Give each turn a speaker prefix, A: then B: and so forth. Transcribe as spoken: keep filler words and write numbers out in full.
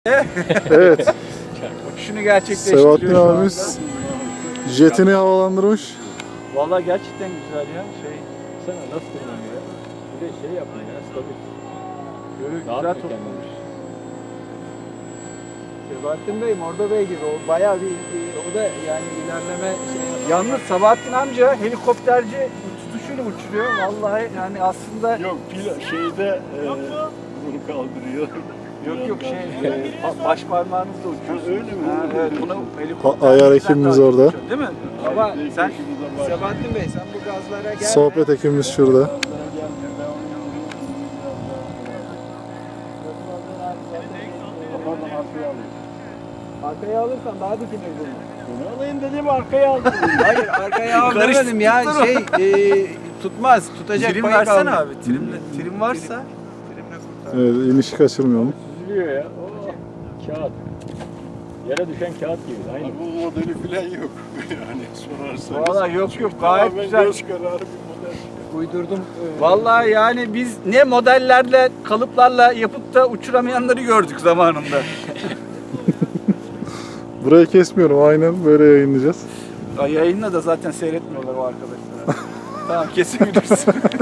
A: Evet.
B: Şunu gerçekleştiriyor
A: Sebahattin
B: şu anda.
A: abimiz jetini havalandırmış.
B: Vallahi gerçekten güzel ya. Şey,
C: Sana nasıl kullanıyor ya? Bir de şey yapın ya, stabil.
B: böyle
C: Rahat
B: güzel
C: mı
B: toplamış. Sebahattin Bey, Mordo Bey gibi o bayağı bir, bir- o da yani ilerleme şey. Yalnız Sabahattin amca helikopterci tutuşuyla uçuruyor. Vallahi yani aslında
D: Yok pil şeyde e, bunu kaldırıyor.
B: yok yok şey e, pa- baş parmağınızla uçuyorsunuz.
D: Ha, öyle mi?
B: Ha, evet, bunu
A: A-
B: helikopter
A: ayar ekibimiz orada.
B: değil mi? Ama
D: Belki
B: sen
D: başımıza baş-
B: Sebahattin Bey sen bu gazlara gelme.
A: Sohbet ekibimiz şurada.
D: Gazlara gelmiyor. Ben onu Kafadan arkaya alayım.
B: Arkaya alırsan daha dikine vurur.
D: Bunu alayım dedim arkaya aldım.
B: Hayır arkaya al demedim ya şey e, tutmaz tutacak
E: Trim
B: payı
E: versene
B: kalmadı.
E: abi. Trimle, trim varsa.
A: Evet, inişi kaçırmayalım.
C: Süzülüyor ya. Oo, kağıt. Yere düşen kağıt gibi. Aynı.
D: Bu modeli falan yok. Yani sorarsanız.
B: Valla yok yok gayet
D: Tamamen
B: güzel.
D: göz kararı bir model.
B: Uydurdum. Vallahi yani biz ne modellerle kalıplarla yapıp da uçuramayanları gördük zamanında.
A: Burayı kesmiyorum, aynen böyle yayınlayacağız.
B: Yayınla da zaten seyretmiyorlar o arkadaşlar. Tamam kesebilirsin.